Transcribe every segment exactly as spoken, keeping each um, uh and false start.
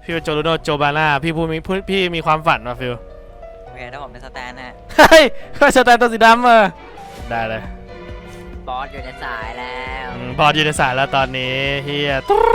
ฟิวโจลูโนโจบาน่าพี่พูดมีพี่มีความฝันว่ะฟิวโอเคถ้าผมเป็นสแตนฮะเฮ้ยสแตนตัวสีดำเออได้เลยบอสอยู่ในสายแล้วบอสอยู่ในสายแล้วตอนนี้เฮีย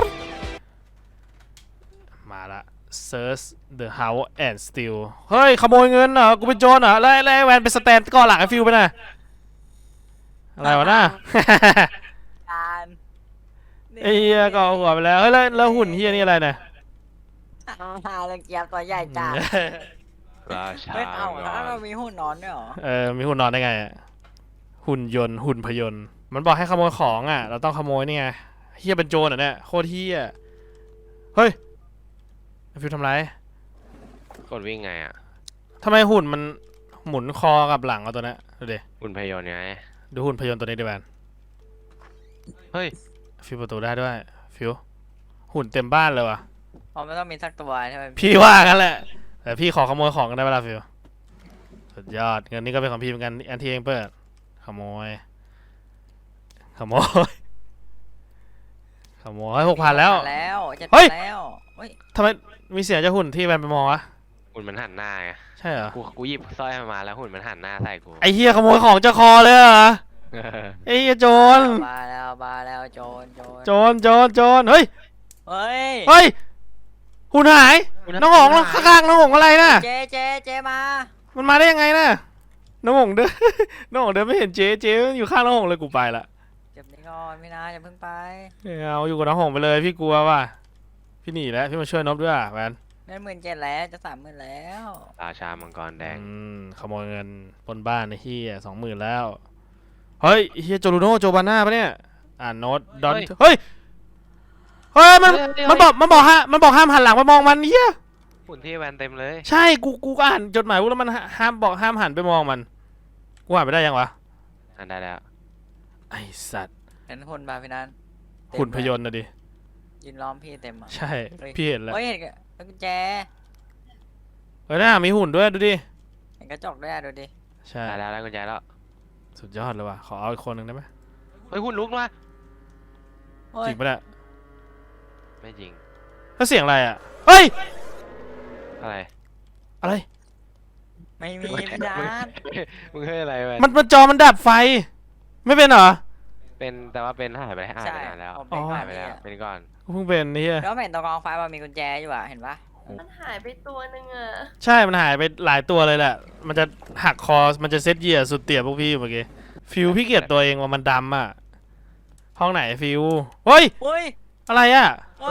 มาละ search the house and steal เฮ้ยขโมยเงินเหรอกูเป็นโจรเหรอแล้วแล้วแวนเป็นสแตนก่อหลังไอ้ฟิวไปน่ะอะไรวะน่ะการไอ้เฮียก็หัวไปแล้วเฮ้ยแล้วแล้วหุ่นเฮียนี่อะไรเนี่ยฮาลังเกียจตัวใหญ่จังราชาเฮ้ยเอาแล้วเรามีหุ่นนอนด้วยเหรอเออมีหุ่นนอนได้ไงหุ่นยนต์หุ่นพยนต์มันบอกให้ขโมยของอ่ะเราต้องขโมยนี่ไงเฮียเป็นโจรเหรอเนี่ยโคตรเฮียเฮ้ยฟิวทำไรกดวิ่งไงอ่ะทำไมหุ่นมันหมุนคอกับหลังเอาตัวนี้ดูดิหุ่นพยนต์ไงดูหุ่นพยนต์ตัวนี้ดิแบนเฮ้ยฟิวประตูได้ด้วยฟิวหุ่นเต็มบ้านเลยวะอ๋อไม่ต้องมีสักตัวใช่ไหมพี่ว่ากันแหละแต่พี่ขอขโมยของกันได้เวลาฟิวสุดยอดเงินนี้ก็เป็นของพี่เหมือนกันอันที่เองเปิดขโมยขโมยขโมยหกพันแล้วเฮ้ยแล้วทำไมมีเสียงจากหุ่นที่แบนไปมองวะหุ่นมันหันหน้าไงใช่เหรอกูกูหยิบสร้อยมาแล้วหุ่นมันหันหน้าใส่กูไอเฮียขโมยของจากคอเลยเหรอไอเฮียโจรมาแล้วมาแล้วโจรโจรโจรโจรโจรเฮ้ยเฮ้ยเฮ้ยหุ่นหายน้องหงข้างๆน้องหงอะไรน่ะเจเจเจมามันมาได้ยังไงน่ะน้องหงเดินน้องหงเดินไม่เห็นเจ๊เจ๊อยู่ข้างน้องหงเลยกูไปละเก็บนี่ก่อนไม่นะอย่าเพิ่งไปเอาอยู่กับน้องหงไปเลยพี่กลัวว่ะพี่หนีแล้วพี่มาช่วยนบด้วยแมนได้หมื่นเจ็ดแล้วจะสามหมื่นแล้วราชามังกรแดงขโมยเงินปนบ้านในที่สองหมื่นแล้วเฮ้ยเฮียโจลูโนโจบาน่าปะเนี่ยอ่านโน้ตดอนเฮ้ยเฮ้ยมันมันบอกมันบอกฮะมันบอกห้ามหันหลังไปมองมันเฮียหุ่นที่แวนเต็มเลยใช่กูกูก็อ่านจดหมายว่าแล้วมันห้ามบอกห้ามหันไปมองมันกูอ่านไปได้ยังวะอ่านได้แล้วไอสัตว์เห็นหุ่นบาพี่นันหุ่นพยนต์นะดิยืนล้อมพี่เต็มอ่ะใช่พี่เห็นแล้วเฮ้ยเห็นกุญแจเฮ้ยน่ามีหุ่นด้วยดูดิเห็นกระจกด้วยดูดิใช่แล้วแล้วกุญแจแล้วสุดยอดเลยว่ะขอเอาอีกคนหนึ่งได้ไหมเฮ้ยหุ่นลุกมาจริงปะเนี่ยไม่จริงแล้วเสียงอะไรอ่ะเฮ้ยอะไรอะไรไม่มีพี่ดานมึงเฮ้ยอะไรไปมันมันจอมันดับไฟไม่เป็นเหรอเป็นแต่ว่าเป็นหายไปหายไปนานแล้วหายไปแล้วเป็นก่อนเพิ่งเป็นนี่แล้วเห็นตรงกองไฟมันมีกุญแจอยู่อ่ะเห็นปะมันหายไปตัวนึงอ่ะใช่มันหายไปหลายตัวเลยแหละมันจะหักคอมันจะเซตเหยียสุดเตี่ยพวกพี่เมื่อกี้ฟิวพี่เกลียดตัวเองว่ามันดำอ่ะห้องไหนฟิวเฮ้ยอะไรอ่ะ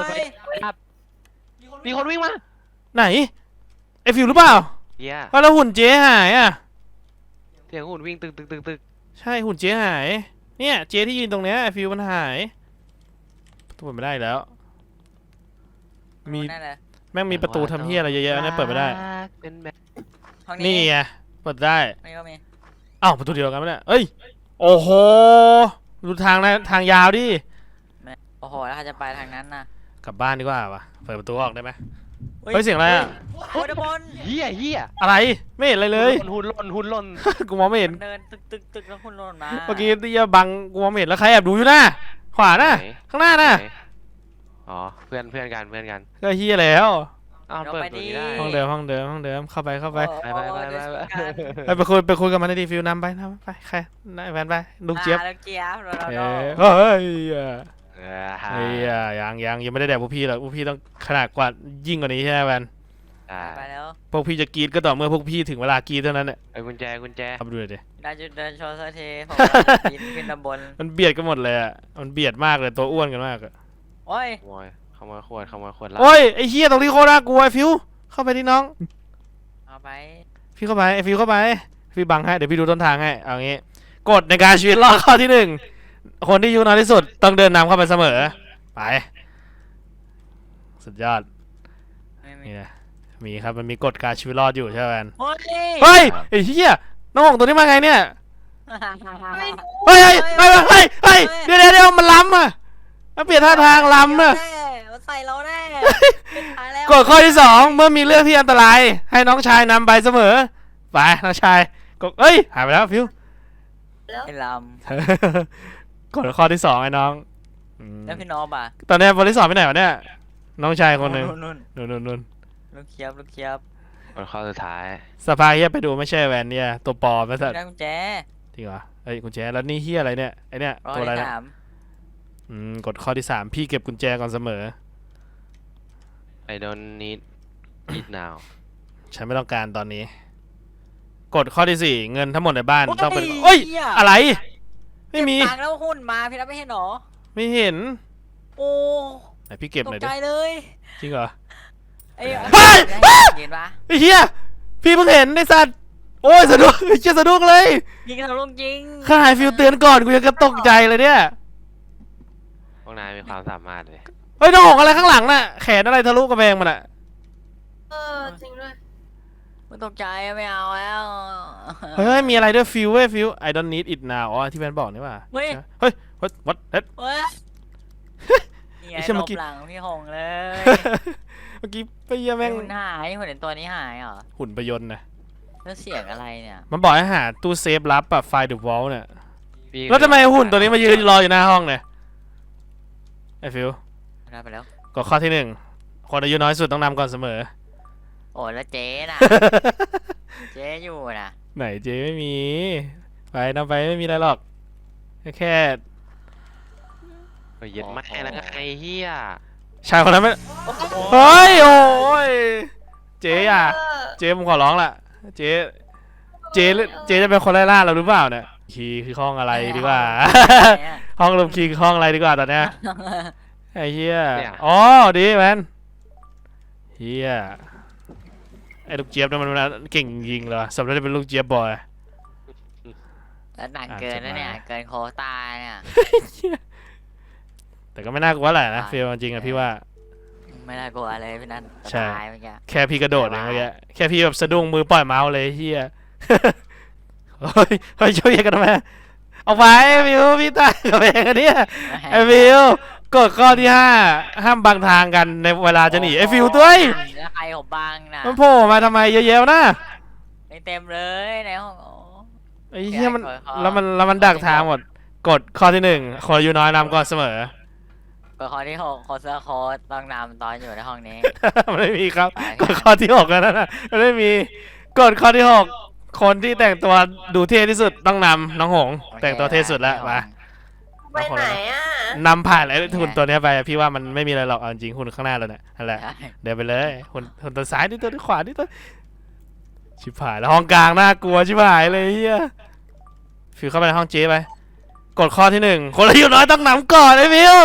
มีคนวิ่งมาไหนไอฟิวหรือเปล่าเย้แล้วหุ่นเจ๊หายอ่ะเสียงหุ่นวิ่งตึกตึกตึกตึกใช่หุ่นเจ๊หายเนี่ยเจ๊ที่ยืนตรงเนี้ยไอฟิวมันหายตัวเปิดไม่ได้แล้วมีแม่งมีประตูทำเฮียอะไรเยอะๆเนี่ยเปิดไม่ได้นี่ไงเปิดได้นี่ก็มีอ้าวประตูเดียวกันไหมเนี่ยเอ้ยโอ้โหดูทางนะทางยาวดิโอ้โหแล้วเขาจะไปทางนั้นนะกลับบ้านดีกว่าปะเปิดประตูออกได้ไหมเฮ้ยเสียงอะไรอ่ะโอ้ยบอลเฮียเฮียอะไรไม่เห็นอะไรเลยหุ่นล่นหุ่นล่นกูมองไม่เห็นเดินตึกตึกตึกแล้วหุ่นล่นมาเมื่อกี้ที่จะบังกูมองไม่เห็นแล้วใครแอบดูอยู่หน้าขวาหน้าข้างหน้าน่ะอ๋อเพื่อนเพื่อนกันเพื่อนกันก็เฮียแล้วอ้าวเปิดประตูได้ห้องเดิมห้องเดิมห้องเดิมเข้าไปเข้าไปไปไปไปไปไปคุยไปคุยกับมันในทีฟิวนำไปนำไปใครนายแฟนไปลุงเจี๊ยบลุงเจี๊ยบเฮ้ยเฮ้ยยังยังยังไม่ได้แดกพวกพี่หรอกพวกพี่ต้องขนาดกว่ายิ่งกว่านี้ใช่ไหมแฟนไปแล้วพวกพี่จะกรีดก็ต่อเมื่อพวกพี่ถึงเวลากรีดเท่านั้นแหละไอ้กุญแจกุญแจเอาไปดูเลยดิได้จุดเดินโชว์สักทีผมขึ้นตำบลมันเบียดกันหมดเลยอ่ะมันเบียดมากเลยตัวอ้วนกันมากอ่ะโอ้ยขโมยขวดขโมยขวดโอ้ยไอ้เหี้ยตรงนี้โคตรน่ากลัวไอ้ฟิวเข้าไปที่น้องเอาไปพี่เข้าไปไอ้ฟิวเข้าไปพี่บังให้เดี๋ยวพี่ดูต้นทางให้เอางี้กฎในการชีวิตรอดข้อที่หนึ่งคนที่อายุน้อยที่สุดต้องเดินนำเข้าไปเสมอไปสุดยอดนี่นะมีครับมันมีกฎการชีวิตรอดอยู่ใช่ไหมเฮ้ยไอ้เหี้ยน้องหงตัวนี้มาไงเนี่ยเฮ้ยเฮ้ยเฮ้ยเฮ้ยเฮ้ยเดี๋ยวเดี๋ยวมันล้ำอ่ะมันเปลี่ยนท่าทางล้ำอ่ะใส่เราแน่กฎข้อที่สองเมื่อมีเรื่องที่อันตรายให้น้องชายนำไปเสมอไปน้องชายกดเอ้ยหายไปแล้วฟิวไอ้ลำกฎข้อที่สองไอ้น้องแล้วพี่น้องป่ะตอนนี้บริษัทไปไหนวะเนี่ยน้องชายคนหนึ่งนู่นนู่นนู่นนู่นลูกเคียบลูกเคียบคนข้อสุดท้ายสภาเฮียไปดูไม่ใช่แวนเนี่ยตัวปลอมนะสัตว์ได้กุญแจจริงเหรอเอ้ยกุญแจแล้วนี่เฮียอะไรเนี่ยไอเนี่ยร้อตัวย อะไรนะสามอืมกดข้อที่สามพี่เก็บกุญแจก่อนเสมอ I don't need it now ฉันไม่ต้องการตอนนี้ กดข้อที่สี่เงินทั้งหมดในบ้านต้องเป็นเอ้ยอะไร ไม่มีเก็บตังค์แล้วหุ้นมาพี่รับไม่เห็นหรอไม่เห็นโอ้ไหนพี่เก็บตหกน่อยใจดิเลยจริงเหรอไอ้เฮ้ยเห็นปะไอ้เฮียพี่เพิ่งเห็นไอ้สัตว์โอ้ยสะดุ้งไอ้เชี่ยสะดุ้งเลยยิงทะลุจริงข้าหายฟิลเตือนก่อนกูยังกระตกใจเลยเนี่ยพวกนายมีความสามารถเลยเฮ้ยน้องหงอะไรข้างหลังน่ะแขนอะไรทะลุกระแพงมันอะเออจริงด้วยมันตกใจไม่เอาแล้วเฮ้ยเฮ้ยมีอะไรด้วยฟิลเว้ยฟิล I don't need it now อ๋อที่แฟนบอกนี่ว่าเฮ้ยเฮ้ย what what that เว้ยนี่ไงไอ้เชี่ยหลเมื่อบ กี้หลังพี่หงเลยเมื่อกี้ไปเยี่ยแม่งหุ่นหายหุ่นเห็นตัวนี้หายเหรอหุ่นประยนต์นะแล้วเสียงอะไรเนี่ยมันบอกให้หาตู้เซฟลับอะไฟเดอะวอลเนี่ยพี่แล้วทำไมหุ่นตัวนี้มายืนรออยู่หน้าห้องเนี่ยไอ้ฟิลได้ไปแล้วกดข้อที่หนึ่งคนอายุน้อยสุดต้องนำก่อนเสมอโอ้แล้วเจ๊น่ะ เจ๊อยู่น่ะไหนเจไม่มี ไปนำไปไม่มีอะไรหรอก แค่แค่เฮ้ยเย็ดไม่แล้วไอ้เหี้ยชายคนนั้นไม่เฮ้ยโอ้ยเจ๊อ่ะเออเจ๊ผมขอร้องละเจ๊เจ๊เจ๊จะเป็นคนไล่ล่าเราหรือเปล่าเนี่ยคีย์คือห้องอะไรดีกว่า ห้องลมคีย์คือห้องอะไรดีกว่าตอนเนี้ยไอ้เหี้ยอ๋อดีแมนเหี้ยไอ้ลูกเจี๊ยบนั่นมันเก่งยิงเลยสำหรับจะเป็นลูกเจี๊ยบบอยแล้วหนักเกินนะเนี่ย เกินโควต้าเนี่ยแต่ก็ไม่น่ากลัวแหละนะใช่เฟีลจริงๆอะพี่ว่าไม่น่ากลัวเลยพี่นัทใช่ตายเมื่อกี้แค่พี่กระโดดเองเมื่อกี้แค่พี่แบบสะดุ้งมือปล่อยเมาส์เลยเฮีย เฮ้ยเฮ้ยช่วยกันทำไมเอาไว้ฟิวพี่ตายกับเองอันเนี้ยไอ้ฟิวกฎข้อที่ห้าห้ามบังทางกันในเวลาจะหนีไอ้ฟิวตัวแล้วใครผมบังนะมันโผล่มาทำไมเยอะแยะวะนะไม่เต็มเลยในห้องโอ้ไอ้เหี้ยมันแกะกดข้อแล้วมันแล้วมันดักทางหมดกฎข้อที่หนึ่งคนอายุน้อยนำก่อนเสมอกดข้อที่หกโคเซอร์โค้ดต้องนำตอนอยู่ในห้องนี้มันไม่มีครับไปกฎข้อที่หกแล้วนะมันไม่มีกฎข้อที่หกคนที่แต่งตัวดูเท่ที่สุดต้องนำน้องหง แต่งตัวเท่สุดแล้วมาไปไหนอ่ะนำผ่านไอ้หุ่นตัวเนี้ยไปพี่ว่ามันไม่มีอะไรหรอกเอาจริงหุ่นข้างหน้าเราเนี่ยนั่นแหละใช่เดินไปเลยหุ่นหุ่นตัวซ้ายนี่ตัวที่ขวานี่ตัวชิบหายแล้วห้องกลางน่ากลัวชิบหายเลยเฮียฟิวเข้าไปในห้องเจ๊ไปกดข้อที่หนึ่งคนอายุน้อยต้องนำก่อนไอ้ฟิว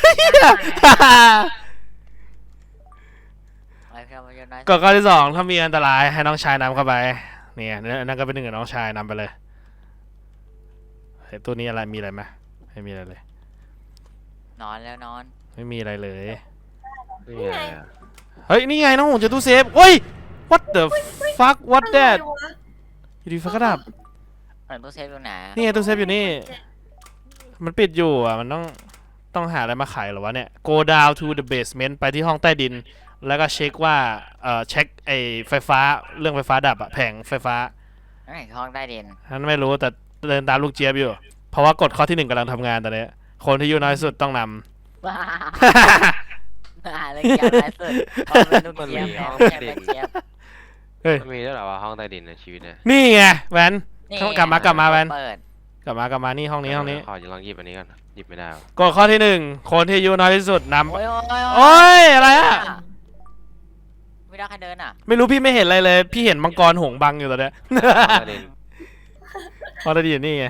ไปเพื่อนมาเยอะน้อยกดข้อที่สองถ้ามีอันตรายให้น้องชายนำเข้าไปเนี่ยนั่นก็เป็นหนึ่งกับน้องชายนำไปเลยเฮ้ยตัวนี้อะไรมีอะไรไหมไม่มีอะไรเลยนอนแล้วนอนไม่มีอะไรเลยนี่ไงอะเฮ้ยนี่ไงน้องหงจะตู้เซฟเฮ้ย what the fuck what อะไร that วะอยู่ดีไฟก็ดับเปิดตู้เซฟตรงไหนนี่ไงตู้เซฟอยู่นี่ มันปิดอยู่อ่ะ มันต้องต้องหาอะไรมาไขเหรอวะเนี่ย go down to the basement ไปที่ห้องใต้ดิน แล้วก็เช็คว่า เอ่อ เช็คไอ้ไฟฟ้า เรื่องไฟฟ้าดับอะแผงไฟฟ้านั่นคือห้องใต้ดินฉันไม่รู้แต่เดินตามลูกเจี๊ยบอยู่ เพราะว่ากฎข้อที่หนึ่งกำลังทำงานตอนนี้ คนที่อายุน้อยสุดต้องนว้าำว้าเลยเกียร์ไรสุดเอาเป็นลูกเจี๊ยบแม่ไม่ใช่เป็นเจี๊ยบเฮ้ยมันมีด้วยเหรอว่าห้องใต้ดินในชีวิตเนี่ยนี่ไงแวนนี่กลับมากลับมาแวนเปิดกลับมากลับมานี่ห้องนี้ห้องนี้ขอจะลองหยิบอันนี้ก่อนหยิบไม่ได้วะกฎข้อที่หนึ่งคนที่อายุน้อยที่สุดนำโอ้ยโอ้ยโอ้ยอะไรอะไม่ได้ใครเดินอ่ะไม่รู้พี่ไม่เห็นอะไรเลย พี่เห็นมังกรหงส์บังอยู่ตอนเนี้ยห้องใต้ดินพอได้ยินนี่ไง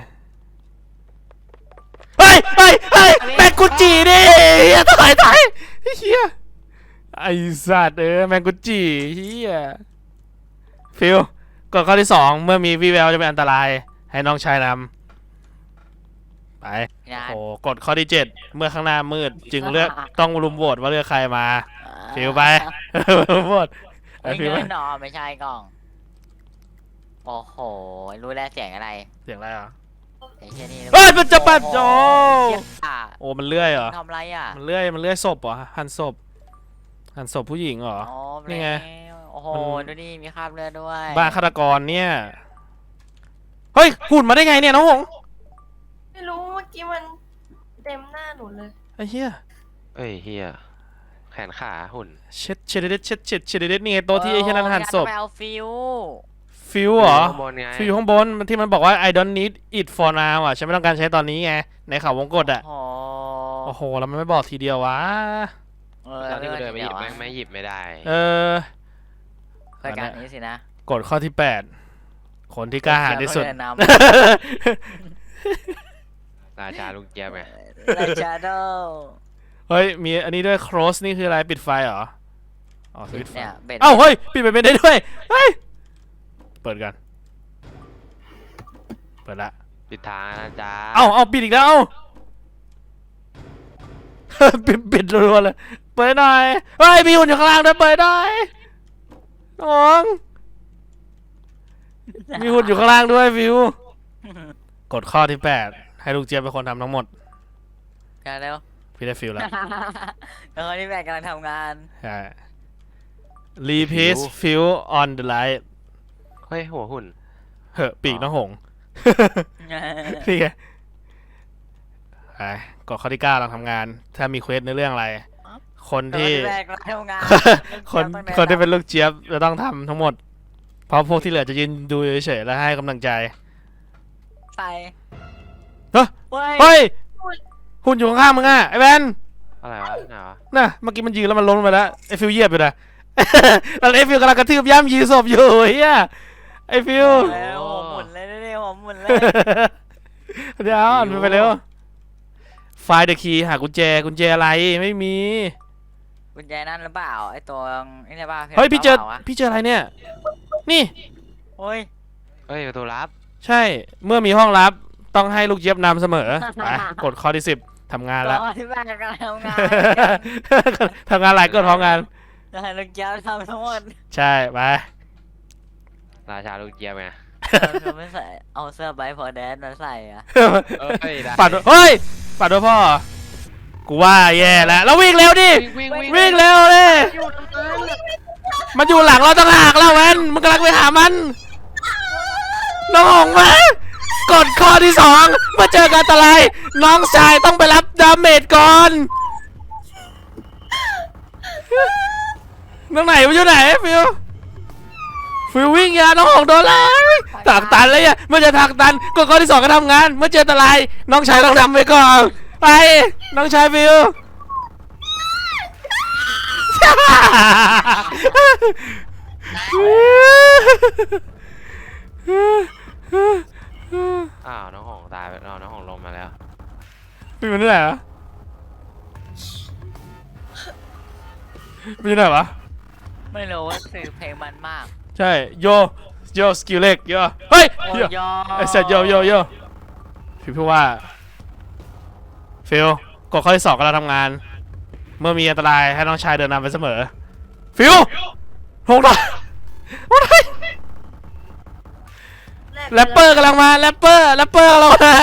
เฮ้ยเฮ้ยเฮ้ยแมงกุจิดิเฮียถอยถอยเฮียไอสัตว์เออแมงกุจิเฮียฟิลกฎข้อที่สองเมื่อมีวิแววจะเป็นอันตรายให้น้องชายนำไปงานโอ้กฎข้อที่เจ็ดเมื่อข้างหน้ามืดจึงเลือกต้องรุมโหวตว่าเลือกใครมา ฟิวไป รุมโหวตไอไม่ฟิวเงินหนอไม่ใช่กล้อง โอ้โห รู้แล้วเสียงอะไรเสียงอะไรอ่ะไอ้เช่นนี่เฮ้ยมันจะปัดโจเหี้ยอ่ะโอ้มันเลื่อยเหรอทำอะไรอ่ะมันเลื่อยมันเลื่อยศพเหรอหั่นศพหั่นศพผู้หญิงเหรออ๋อนี่ไงโอ้โหมันดูดิมีคราบเลือดด้วยบ้าฆาตกรเนี่ย เฮ้ยหุ่นมาได้ไงเนี่ยน้องหงไม่รู้เมื่อกี้มันเต็มหน้าหนูเลยไอ้เหี้ยเอ้ยเฮียแขนขาหุ่นเช็ดเช็ดเด็ดเช็ดเช็ดเช็ดเด็ดนี่ไงโต๊ะที่ไอ้เช่นนั้นหั่นศพไปเอาฟิวฟิวเหรอข้างบนไงฟิวข้างบนมันที่มันบอกว่า I don't need it for now อ่ะฉันไม่ต้องการใช้ตอนนี้ไงในข่าววงกตอ่ะโอ้โอ้โหแล้วมันไม่บอกทีเดียววะเออตอนที่กูเดินไปหยิบวะแม่งไม่หยิบไม่ได้เออรายการนี้สินะกฎข้อที่แปดคนที่กล้าหาญที่สุดเยวเขาเนนราชาลูกเจี๊ยบไงำราชาโดเฮ้ยมีอันนี้ด้วย close นี่คืออะไรปิดไฟเหรออ๋อสวิตช์ไฟเนี่ยเบ็ดเอ้าเฮ้ยปิดไปเป็นได้ด้วยเฮ้ยเปิดกันเปิดละปิดทางนะจ๊ะเอ้าเอ้าปิดอีกแล้วเอ้า ปิดปิดรัวๆเลยเปิดหน่อยเฮ้ยมีหุ่นอยู่ข้างล่างด้วยเปิดหน่อยน้องมีหุ่นอยู่ข้างล่างด้วยฟิวกฎข้อที่แปดให้ลูกเจี๊ยบเป็นคนทำทั้งหมดกันเร็วพี่ได้ฟิลแล้วแล้วคนที่แบกกำลังทำงานใช่ repeat fill on the light เฮ้ยหัวหุ่นเหอะปีกน้องหงส์ นี่ไงไปกฎข้อที่เก้าเราทำงาน ถ้ามีเควสในเรื่องอะไร คนที่คนที่แบกกำลังทำงานคนต้องแนะนำคนที่เป็นลูกเจี๊ยบจะต้องทำทั้งหมด เพราะพวกที่เหลือจะยืนดูเฉยๆแล้วให้กำลังใจใส่เฮ้ยเฮ้ยเฮ้ยหุ่นอยู่ข้างๆมึงอ่ะไอ้แวนอะไรวะไหนวะน่ะเมื่อกี้มันยืนแล้วมันล้มลงไปแล้วไอ้ฟิวเหยียบอยู่นะ แล้วไอ้ฟิวกำลังกระทืบย่ำยีศพอยู่เฮียไอ้ฟิวเร็วหัวหมุนเลยเร็วหัวหมุนเลยเดี๋ยวอ่านไปเร็วไฟล์เดอะคีย์หากุญแจกุญแจอะไรไม่มีกุญแจนั่นหรือเปล่าไอ้ตัวนี่ใช่ป่ะเฮ้ยพี่เจอปล่าวะพี่เจออะไรเนี่ย นี่โอ้ยเฮ้ยประตูลับใช่เมื่อมีห้องลับต้องให้ลูกเจี๊ยบนำเสมอไปกดข้อที่สิบทำงานแล้วตัวที่แบกกำลังทำงานทำงานหลายกดพร้อมงานจะให้ลูกเจ้าทำทั้งหมดใช่ไปราชาลูกเจี๊ยบไงเราไม่ใส่เอาเสื้อไบพอแดนมาใส่อะเอ้ยได้ปัดเฮ้ยปัดด้วยพ่อกูว่าแย่แล้วแล้ววิ่งเร็วดิวิ่งวิ่งวิ่งเร็วเลยมันอยู่หลังเราต่างหากแล้วแวนมันกำลังไปหามันน้องหงมากดข้อที่สองเมื่อเจอการอันตรายน้องชายต้องไปรับดาเมจก่อนน้องไหนมันอยู่ไหนฟิวฟิววิ่งยาน้องหงโดนเลยทางตันเลยอ่ะเมื่อเจอทางตันกดข้อที่สองก็ทำงานเมื่อเจออันตรายน้องชายต้องนำไปก่อนไปน้องชายฟิวอ้าวน้องหงตายไปเอาน้องหงลงมาแล้วมีมันที่ไหนวะมีที่ไหนวะไม่รู้ว่าสื่อเพลงมันมากใช่โยโยสกิลเล็กโยเฮ้ยโอ้โยยอไอ้เสร็จโยโยโยพี่พูดว่าฟิลกดข้อที่สองก็เราทำงาน เมื่อมีอันตรายให้น้องชายเดินนำไปเสมอฟิลหงหน่อยหงหน่อยแรปเปอร์กำลังมาแรปเปอร์แรปเปอร์กำลังมา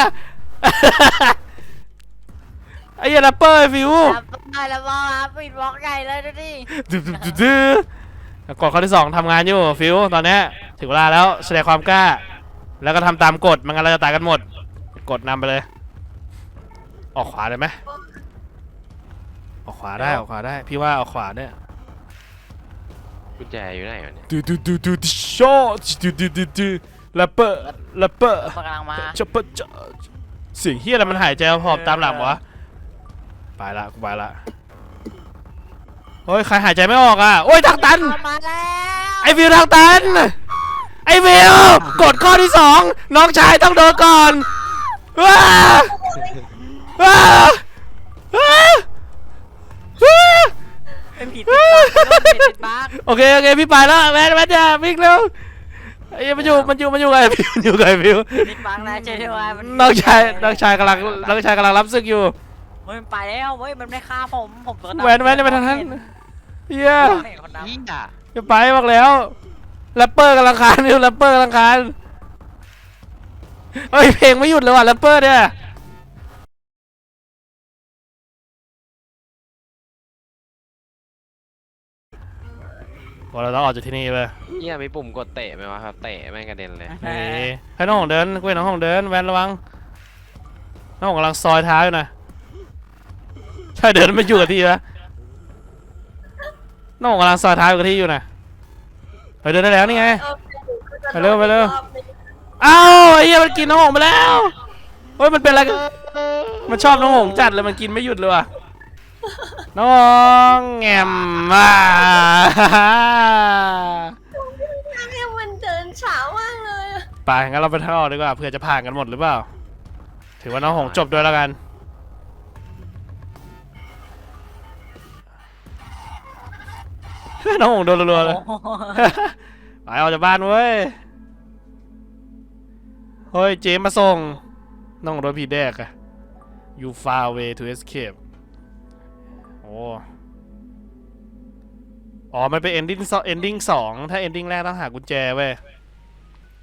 ไอ้เหี้ยแรปเปอร์ไอ้ฟิวรับได้แล้วบอสปิดบล็อกใหญ่เลยดูดิดื้อดื้อดื้อดื้อกดข้อที่สองทำงานอยู่ฟิวตอนเนี้ยถึงเวลาแล้วแสดงความกล้า แล้วก็ทำตามกฎไมันงั้นเราจะตายกันหมดกดนำไปเลย ออกขวาได้ไหมออกขวาได้ออกขวาได้พี่ว่าออกขวาเนี่ยกุญแจอยู่ไหนวะเนี่ยดูดูดูดูดูโชดูดูดูดูแรปเปอร์แรปเปอร์กำลังมาจะเปิดจะเสียงเฮียอะไรมันหายใจหอบตามหลังวะไปละกูไปละโอ้ยใครหายใจไม่ออกอ่ะโอ้ยทางตันมาแล้วไอวิวทางตันไอวิวกดข้อที่สองน้องชายต้องโดนก่อนว้าว้าว้าว้าเป็นผีติดบั๊กเป็นผีติดบั๊กโอเคโอเคพี่ไปแล้วแมนแมนจะวิ่งเร็วไอ้มันอยู่มันอยู่มันอยู่ไงพิวมันอยู่ไงพิวติดบั๊กนะเจ๊ด้วยมันน้องชายน้องชายกำลังน้องชายกำลังรับศึกอยู่เฮ้ยมันไปแล้วเฮ้ยมันไม่ฆ่าผมผมตัวดำแหวนแหวนจะไปทางนั้นเฮียเห็นคนดำยิ่งอ่ะจะไปบอกแล้วแรปเปอร์กำลังคานอยู่แรปเปอร์กำลังคานเฮ้ยเพลงไม่หยุดเลยว่ะแรปเปอร์เนี่ยพอเราต้องออกจากที่นี่เลยเหี้ยมีปุ่มกดเตะไหมวะครับเตะแม่งกระเด็นเลยนี่ให้น้องของเดินกูเห็นน้องของเดินแวนระวังน้องของกำลังซอยเท้าอยู่นะใช่เดินไม่อยู่กับที่นะน้องกำลังซอยท้ายกับที่อยู่นะไปเดินได้แล้วนี่ไงออไปเร็วไปเร็วอีกอบนึงอ้าวไอ้เหี้ยมันกินน้องหงไปแล้วเฮ้ยมันเป็นอะไรกันมันชอบน้องหงจัดเลยมันกินไม่หยุดเลยว่ะน้องแงมมาเนี่ยมันเดินเช้ามากเลยอะไปงั้นเราไปทางออกดีกว่าเผื่อจะผ่านกันหมดหรือเปล่าถือว่าน้องหงจบด้วยแล้วกันน้องหงโดนรัวๆเลยโอ้โหไปออกจากบ้านเว้ยเฮ้ยเจมมาส่งน้องโดนผีแดกอะ you far away to escape โอ้อ๋อมันเป็น ending สอง ending สองถ้า ending แรกต้องหากุญแจเว้ย